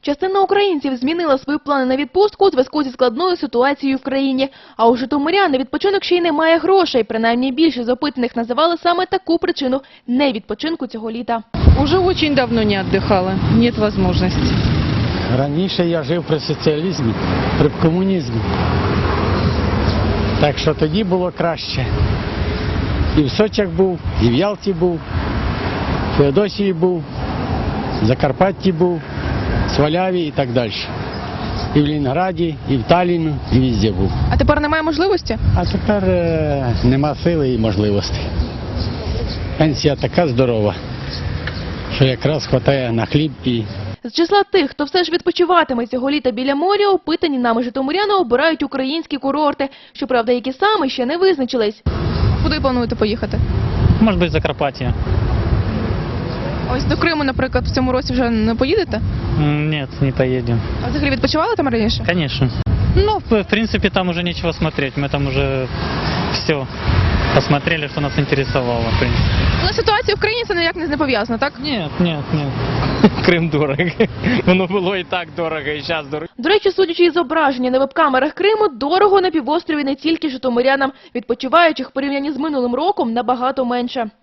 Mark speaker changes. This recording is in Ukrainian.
Speaker 1: Частина українців змінила свої плани на відпустку у зв'язку зі складною ситуацією в країні. А у житомирян на відпочинок ще й немає грошей. Принаймні більшість з опитаних називали саме таку причину невідпочинку цього літа.
Speaker 2: Уже очень давно не отдыхала, нет возможности.
Speaker 3: Раніше я жив при соціалізмі, при комунізмі. Так що тоді було краще. І в Сочах був, і в Ялті був, в Феодосії був, в Закарпатті був, в Сваляві і так далі. І в Ленінграді, і в Талліну, і везде був.
Speaker 1: А тепер немає можливості?
Speaker 3: А тепер нема сили і можливостей. Пенсія така здорова, що якраз вистачає на хліб і...
Speaker 1: З числа тих, хто все ж відпочиватиме цього літа біля моря, опитані нами житомиряни обирають українські курорти. Щоправда, які саме ще не визначились. Куди плануєте поїхати?
Speaker 4: Может быть, Закарпатье.
Speaker 1: Ось до Криму, наприклад, в цьому році вже не поїдете?
Speaker 4: Нет, не поедем.
Speaker 1: А взагалі відпочивали там раніше?
Speaker 4: Конечно. Ну, в принципе, там уже нечего смотреть. Мы там уже все посмотрели, что нас интересовало, в принципе.
Speaker 1: Але ситуація в країні це ніяк не пов'язана, так?
Speaker 4: Нет. Крым дорого. Воно було і так дорого, і зараз дорого.
Speaker 1: До речі, судячи із зображення на веб-камерах Криму, дорого на півострові не тільки житомирянам. Відпочиваючих в порівнянні з минулим роком набагато менше.